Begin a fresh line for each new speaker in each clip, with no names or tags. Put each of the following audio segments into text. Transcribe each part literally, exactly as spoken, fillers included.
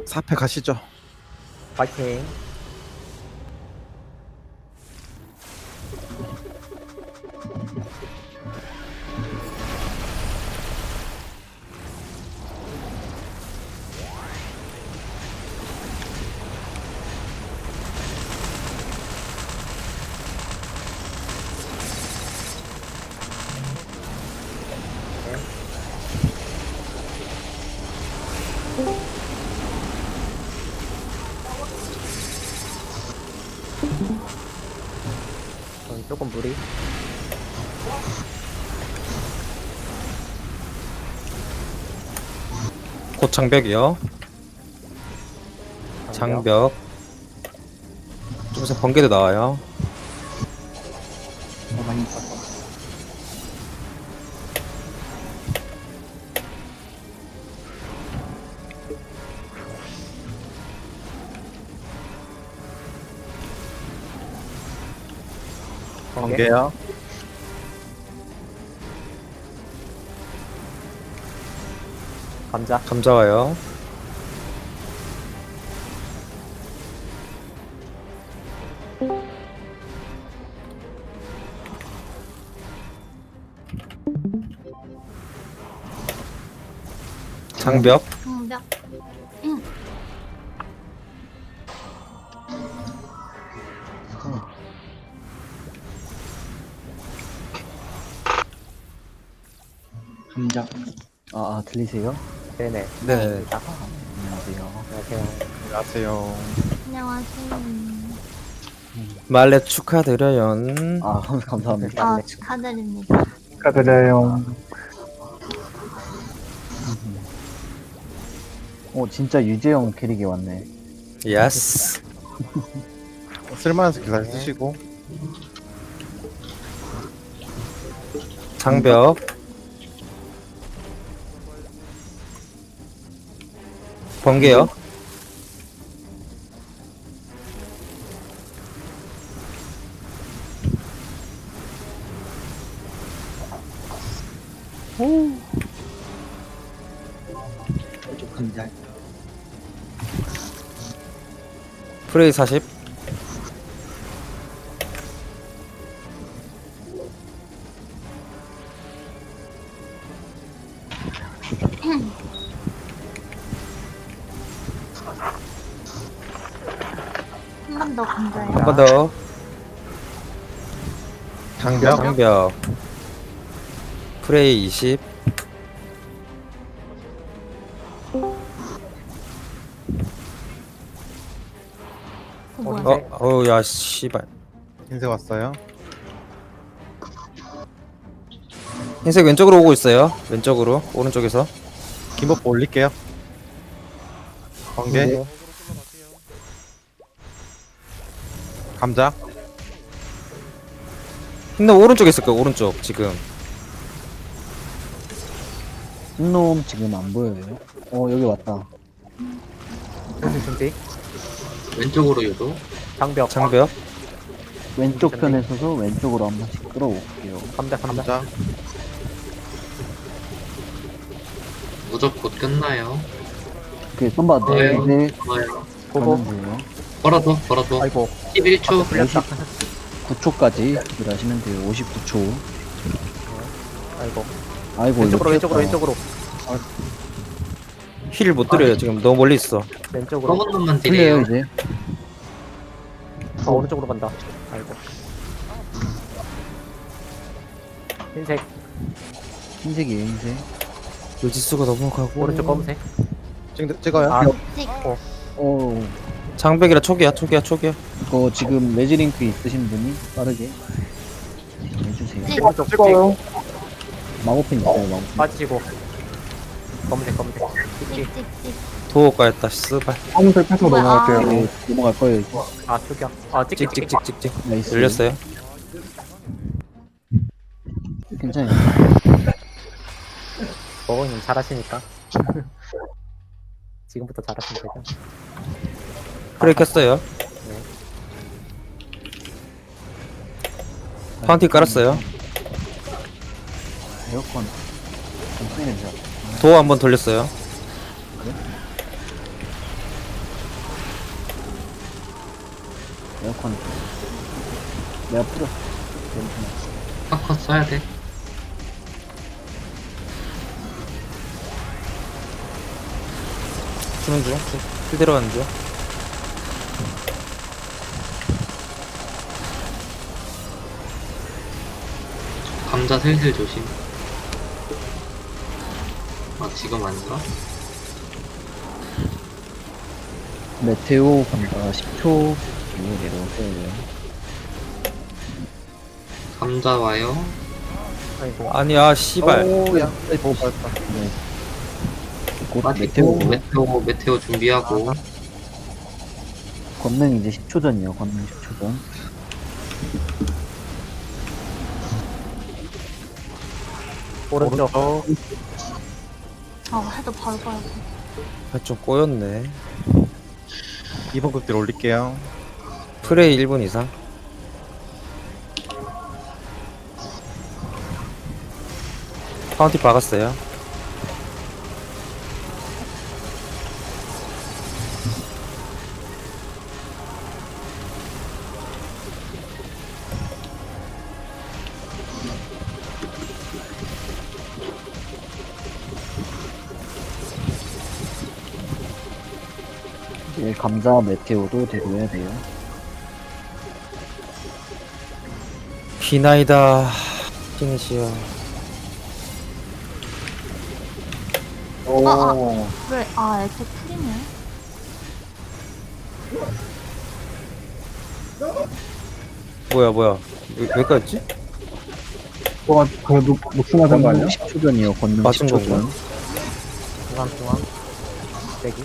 사 패 가시죠.
파이팅. 저는 조금 무리.
곧 장벽이요. 장벽. 좀 있으면 번개도 나와요.
어, 많이 있었어.
번개.
번개요.
감자.
감자 와요. 장벽.
장벽.
감자. 아, 아 들리세요?
네네.
네.
안녕하세요.
안녕하세요.
안녕하세요.
안녕하세요.
말레 축하드려요.
아 감- 감사합니다.
아, 축하드립니다.
축하드려요.
어 진짜 유재영 캐릭이 왔네.
예스.
쓸만한 스킬 잘 쓰시고.
장벽. 번개요.
좀 감자.
프레이 사십.
한 번 더 건져요.
한 번 더.
장벽.
장벽. 프레이 이십.
어, 뭐야?
어, 어우, 야, 씨발.
흰색 왔어요.
흰색 왼쪽으로 오고 있어요. 왼쪽으로. 오른쪽에서.
김버프 올릴게요. 번개.
네.
감자.
흰놈 오른쪽에 있을 거야, 오른쪽, 지금.
흰놈 지금 안 보여요? 어 여기 왔다.
준비 준비.
왼쪽으로 유도.
장벽.
장벽.
왼쪽 편에 서서 왼쪽으로 한 번씩 끌어올게요.
감자 감자.
감자.
무적 곧 끝나요.
그 썸바
네.
네.
좋아요.
보고.
가면 돼요.
걸어도 걸어도.
아이고.
십일 초.
풀렸다.
구 초까지 딜하시면 돼요. 오십구 초.
아이고.
아이고
왼쪽으로
이거
왼쪽으로
튀었다.
왼쪽으로
힐 못 드려요, 지금. 너무 멀리 있어.
왼쪽으로.
검은 놈만
틀려요
딜해요.
이제.
아, 오른쪽으로 간다. 아이고. 흰색.
흰색이에요 흰색.
요지수가 너무 가고.
오른쪽 검은색.
찍, 찍어요.
아,
찍.
어
장벽이라 초기야, 초기야, 초기야.
이거 지금 레지링크 있으신 분이 빠르게 해주세요.
찍.
오른쪽 찍.
찍어요.
마고핀 있어요 마고핀.
빠지시고. 검은색 검은색. 찍찍.
찍, 찍, 찍.
도어 까였다, 쓰발.
검은색 패스
뭐야,
넘어갈게요.
아.
네, 넘어갈 거예요 이제.
아 초기야. 아 찍찍 찍찍.
찍찍찍찍찍.
나이스.
열렸어요.
괜찮아요.
버거님 잘하시니까. 지금부터 잘하시면 되죠.
프레이 켰어요.
네.
파운틴 깔았어요.
에어컨. 좀 쓰이 냄새.
도어 한번 돌렸어요.
에어컨. 내가 풀었어. 괜찮아.
파커 써야 돼.
주는 중. 힐 들어가는 중.
감자 슬슬 조심. 아, 지금 아닌가?
메테오 간다. 십 초. 이거 내려오세요.
감자 와요.
아이고.
아니야, 씨발.
오야 오 맞다.
네. 곧
빠지고,
메테오.
메테오, 메테오 준비하고.
권능 이제 십 초 전이요. 권능 십 초 전.
오른쪽.
아, 해도 바로 봐야 돼.
아, 좀 꼬였네.
이 번 극딜 올릴게요.
프레이 일 분 이상. 파운티 박았어요.
이제 감자 메테오도 대로해야 돼요.
비나이다. 피니시요.
오.
아, 아. 왜, 아, 애초 풀이네.
뭐야, 뭐야. 왜, 왜 까였지?
뭐가 그 녹, 녹슨하던 거 아니야? 십 초 전이요. 권능
맞은
십 초
건가?
전.
중앙, 중앙. 대기.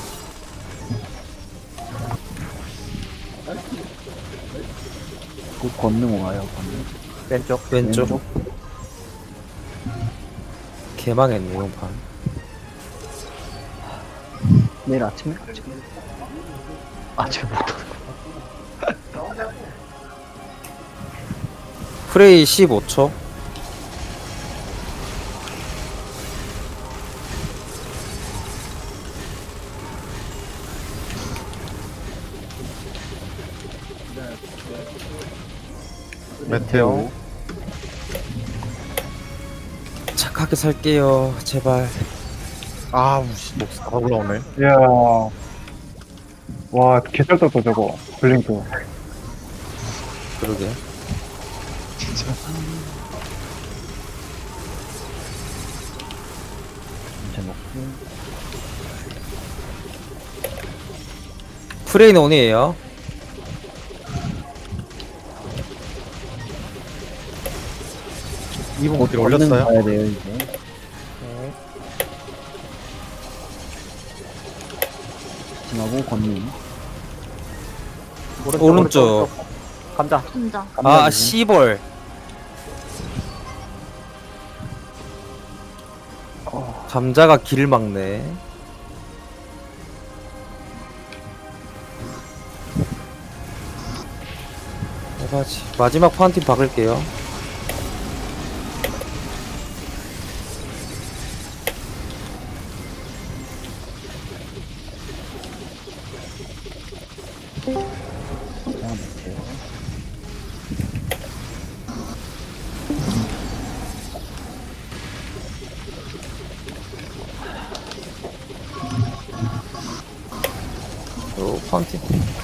곧 권능 와요. 권능.
왼쪽.
왼쪽. 개망했네, 이번 판.
내일 아침에? 아침에. 아침부터.
프레이 십오 초.
메테오.
착하게 살게요, 제발.
아 우씨 목다 올라오네.
이야. 와, 개쩔 떴다, 저거. 블링크.
그러게.
이제 먹고.
프레이는 온이에요.
이 번
곧
극딜
권능
올렸어요.
가야 돼요, 이제.
네.
지나고 권능.
오른쪽.
오른쪽.
감자.
감자.
아, 씨벌. 감자가 길을 막네. 해봐지. 마지막 파운틴 박을게요.
자, 메테오.
또 파운틴.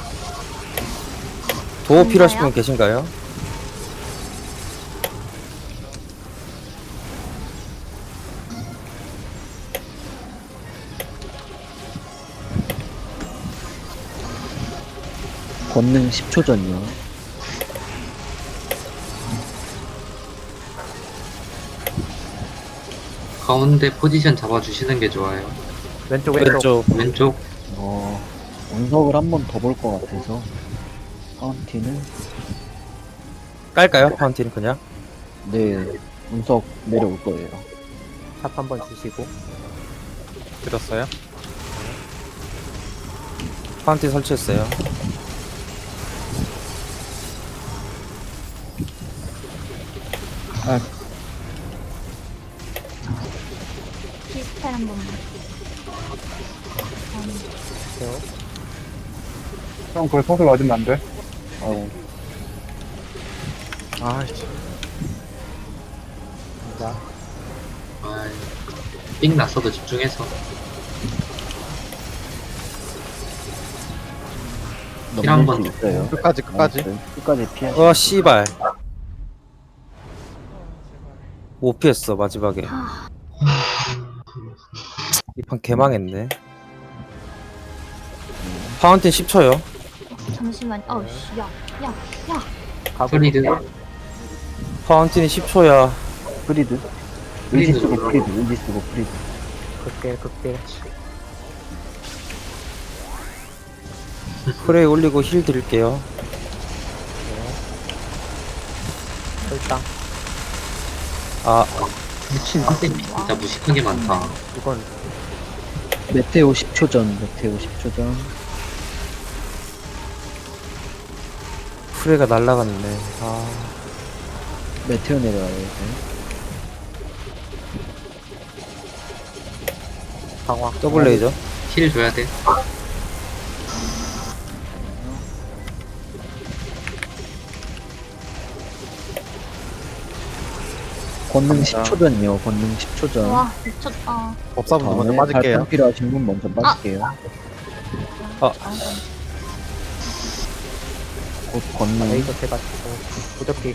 도어 필요하신 분 계신가요?
권능 십 초 전이요.
가운데 포지션 잡아주시는 게 좋아요.
왼쪽, 왼쪽.
왼쪽.
왼쪽,
어, 운석을 한 번 더 볼 것 같아서. 파운틴은?
깔까요? 파운틴 그냥?
네, 운석 내려올 거예요.
탑 한번 주시고.
들었어요?
파운틴 설치했어요.
디스펠 한 번만.
세요.
형, 그거 서서 맞으면 안 돼?
어우,
아이씨.
감자.
아, 삑 났어도 집중해서. 힐 한 번
넘길 수 있어요.
끝까지, 끝까지.
나이스. 끝까지 피해.
어 씨발 못 피했어 마지막에 이 판 개망했네 파운틴 십 초요
잠시만. 어우 씨. 야, 야, 야.
가고
프리드.
파운틴이 십 초야
프리드.
프리드
의지 쓰고
눌러.
프리드. 의지 쓰고 프리드.
극딜 극딜.
프레이 올리고 힐 드릴게요
일단
아
미친 선생님 진짜 무식하게 많다.
이건
메테오 십 초 전. 메테오 십 초 전.
프레이가 날라갔네 아
메테오 내려와요, 이제.
강화.
더블 레이저
힐 줘야 돼.
권능 십 초 전이요. 권능 십 초 전.
와, 미쳤다.
법사분 먼저
다음에
빠질게요.
발판 필요하신 분 먼저 빠질게요.
아
곧 권능.
레이저 해가지고 무적기.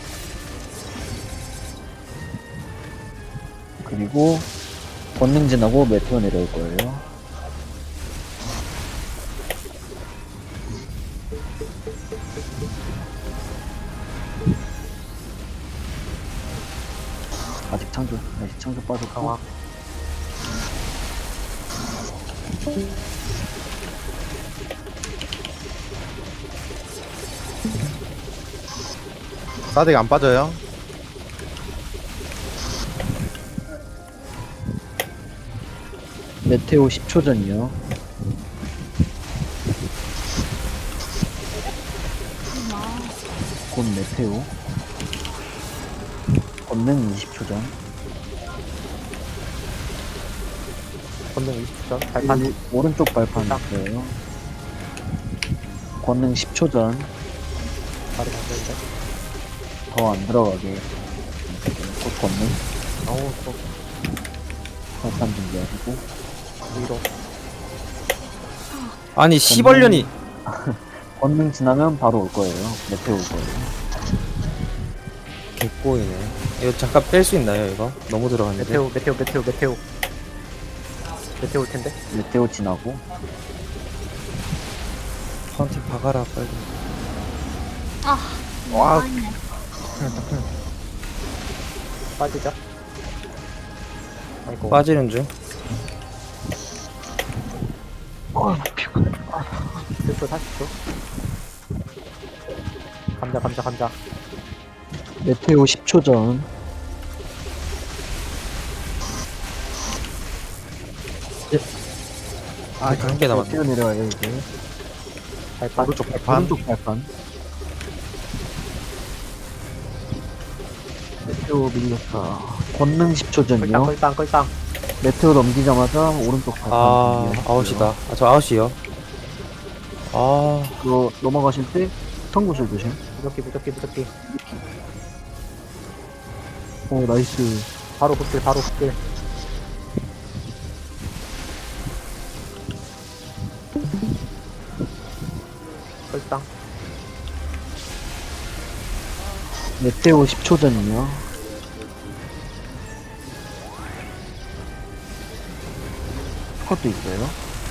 그리고 권능 지나고 메테오 내려올 거예요. 아직 창조, 아직 창조 빠졌고.
강화.
사딕 안 빠져요.
메테오 십 초 전이요. 곧 메테오. 권능 이십 초 전.
권능 이십 초 전. 발판.
이- 오른쪽 발판
딱.
있어요. 권능 십 초 전.
바로 만들자.
더 안 들어가게. 곧 권능.
어우 또
발판 준비하시고.
위로.
아니 시벌년이
권능 지나면 바로 올 거예요. 메테오 올 거예요.
개꼬이네 이거 잠깐 뺄 수 있나요 이거? 너무 들어갔는데
메테오 메테오 메테오 메테오. 메테오 올 텐데.
메테오 지나고.
파운틴 박아라 빨리
아,
와.
망했네.
빠지자. 아이고.
빠지는 중
십 초 사십 초. 감자 감자 감자.
메테오 십 초 전.
아 한 개 남았네
메테오 내려와요, 이제.
발판.
오른쪽 발판.
오른쪽 발판. 메테오 밀렸다. 권능 십 초
끌땅
전이요.
끌땅 끌땅.
메테오 넘기자마자 오른쪽 발판.
아
준비하시고요.
아웃이다 아, 저 아웃이요 아
그거 넘어가실 때 성구슬 조심.
무적기 무적기 무적기.
오, 나이스.
바로 극딜 바로 극딜. 끌땅.
메테오 십 초 전이요. 스컷도 있어요.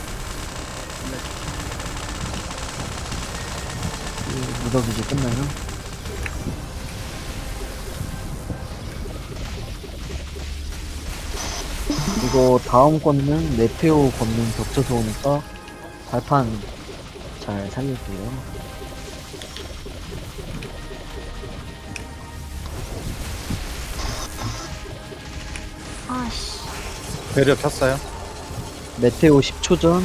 이 무적 이제 끝나요? 이거 다음 권능 메테오 권능 겹쳐서 오니까 발판 잘 살릴게요.
아씨.
배려 폈어요.
메테오 십 초 전.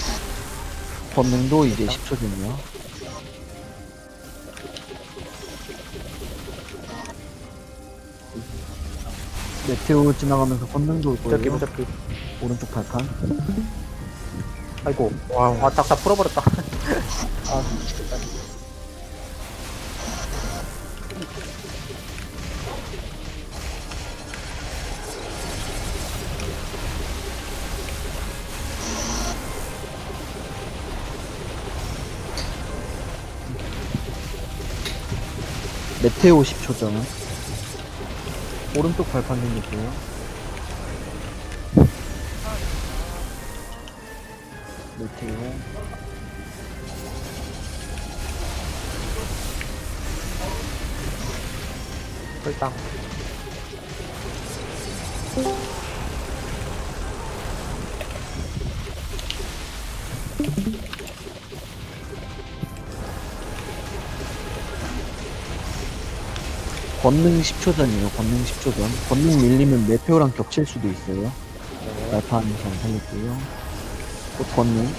권능도 이제 십 초 전이요. 메테오 지나가면서 권능도 올
무적기
거예요.
무적기.
오른쪽 발판.
아이고.
와우.
아, 딱 다 풀어버렸다. 아,
메테오 십 초 전. 오른쪽 발판 생겼고요. 메테오.
혈당.
권능 십 초 전이에요. 권능 십 초 전. 권능 밀리면 메테오랑 겹칠 수도 있어요. 발판 잘 살렸고요. 또 권능.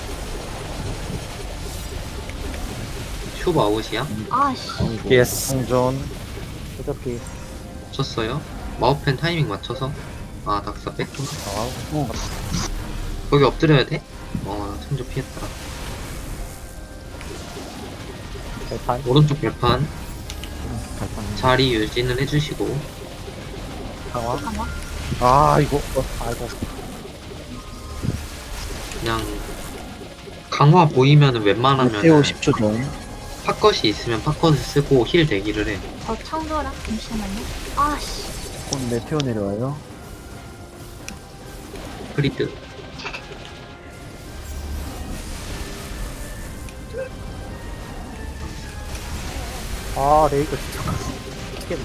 슈브 아웃이야?
아씨.
아이고.
예스. 생존.
무적기.
쳤어요. 마우펜 타이밍 맞춰서. 아, 낙사 뺐구나.
어,
거기 엎드려야 돼? 어, 나 천조 피했다.
발판.
오른쪽 발판
발판.
자리 유지는 해주시고.
강화.
강화.
아, 이거.
아이고.
그냥 강화 보이면은 웬만하면
메테오 십 초 전.
팝컷이 있으면 팝컷을 쓰고 힐 대기를 해.
저 창조라. 잠시만요. 아씨.
곧 메테오 내려와요.
프리드.
아, 레이저 진짜. 미치겠네.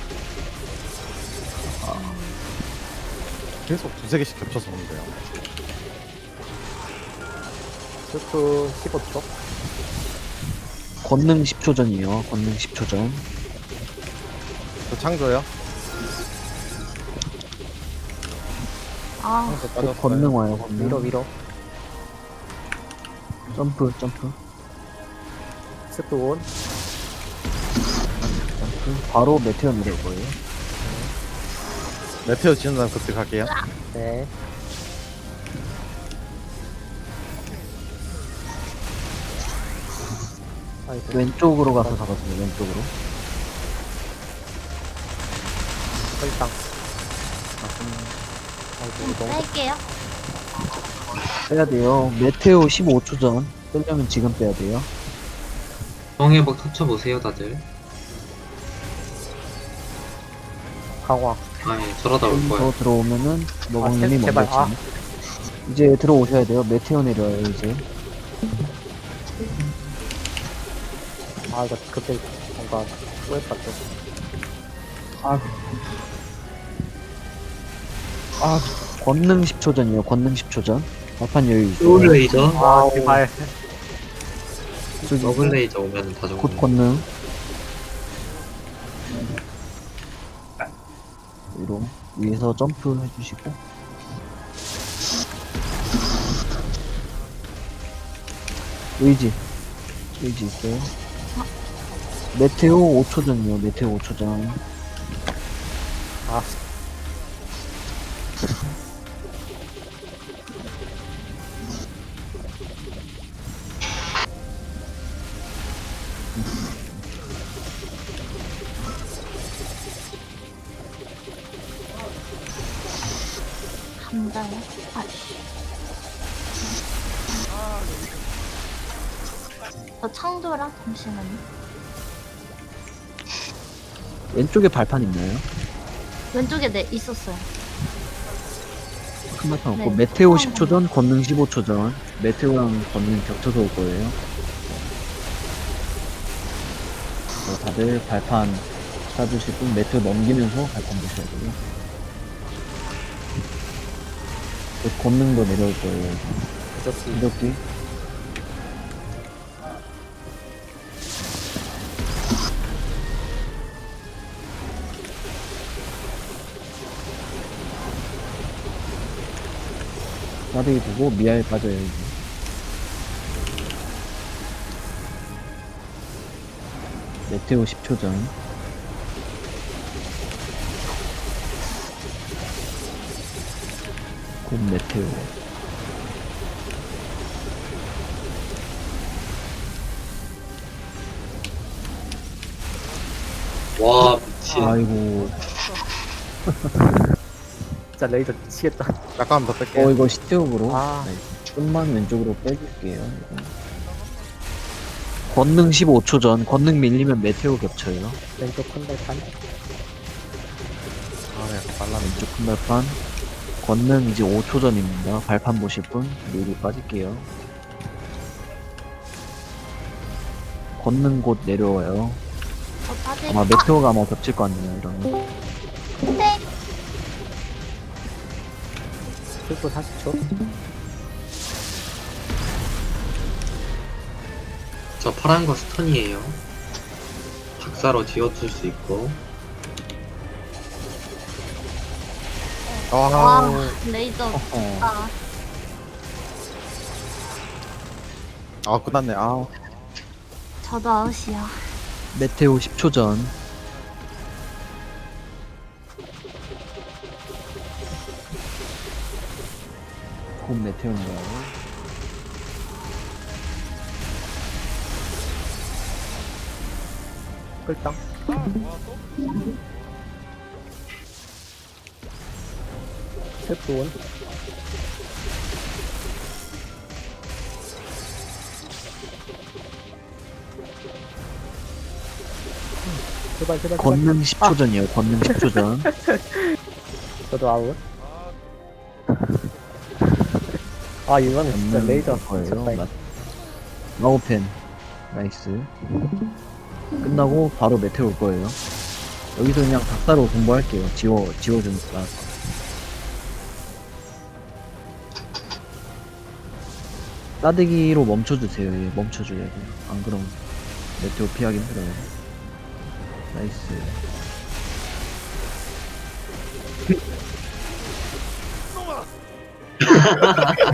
계속 두세 개씩 겹쳐서 오는데요.
스프 십오 초.
권능 십 초 전이에요. 권능 십 초 전.
저 창조요.
아.
창조
곧
빠졌어요.
권능 와요. 권능.
위로, 위로.
점프, 점프,
스프 온.
점프. 바로 메테오 내려올 거예요.
메테오 지는 다음 그때 갈게요.
네. 아이고.
왼쪽으로 가서 잡았어요. 왼쪽으로.
혈당. 아이고, 너무.
뺄게요.
빼야 돼요. 메테오 십오 초 전. 빼려면 지금 빼야 돼요.
정해복 터쳐보세요, 다들.
강화.
아예 저러다 올 거야.
더 들어오면은 너광님이
아,
먼저
제발, 아.
치네. 이제 들어오셔야 돼요. 메테오 내려와요. 이제.
아, 이거 그때 뭔가 꼬였다, 또.
아. 아. 권능 십 초 전이에요. 권능 십 초 전. 발판 여유 있어요.
소울레이저?
아, 제발.
더블레이저 오면은 다
곧
죽는
권능. 위로. 위에서 점프 해주시고. 의지. 의지 있어요. 메테오 오 초 전이요. 메테오 오 초 전.
아,
감자요. 아씨. 저 창조라. 잠시만요.
왼쪽에 발판 있나요?
왼쪽에 네 있었어요.
큰 발판 없고
네.
메테오 십 초 전, 권능 십오 초 전. 메테오랑 권능 겹쳐서 올 거예요. 어, 다들 발판 쏴주시고 메테오 넘기면서 발판 보셔야 돼요. 곧 권능도 내려올 거예요.
무적기.
무적기. 싸대기 두고 미아에 빠져요 이제. 메테오 십 초 전. 곧 메테오.
와, 미친.
아이고.
진짜 레이저 미치겠다.
약간 더 뺄게요.
어 이거 시트업으로.
아.
네. 좀만 왼쪽으로 빼줄게요. 이거. 권능 십오 초 전. 권능 밀리면 메테오 겹쳐요.
왼쪽 큰 발판.
아, 네, 빨라네.
왼쪽 큰 발판. 권능 이제 오 초 전입니다. 발판 보실 분 미리 빠질게요. 권능 곧 내려와요.
저 빠질.
아마 메테오가 아마 겹칠 것 같네요. 이러면.
네.
칠초 사십 초.
저 파란 거 스턴이에요. 작사로 지워줄 수 있고.
아,
와, 레이저.
어.
아,
아, 끝났네. 아,
저도 아웃이야.
메테오 십 초 전. 곧 메테오인가요?
끌당. 셀프원. 제발 제발 제발.
권능 십 초 전이에요. 권능 십 초 전.
저도 아웃. 아 이거는 진짜
권능
레이저
거예요.
미쳤다.
마- 마우펜. 나이스. 끝나고 바로 메테오 올 거예요. 여기서 그냥 닭사로 공부할게요. 지워, 지워주니까. 따대기로 멈춰주세요. 예, 멈춰줘야 돼요. 안 그럼 메테오 피하기 힘들어요. 나이스.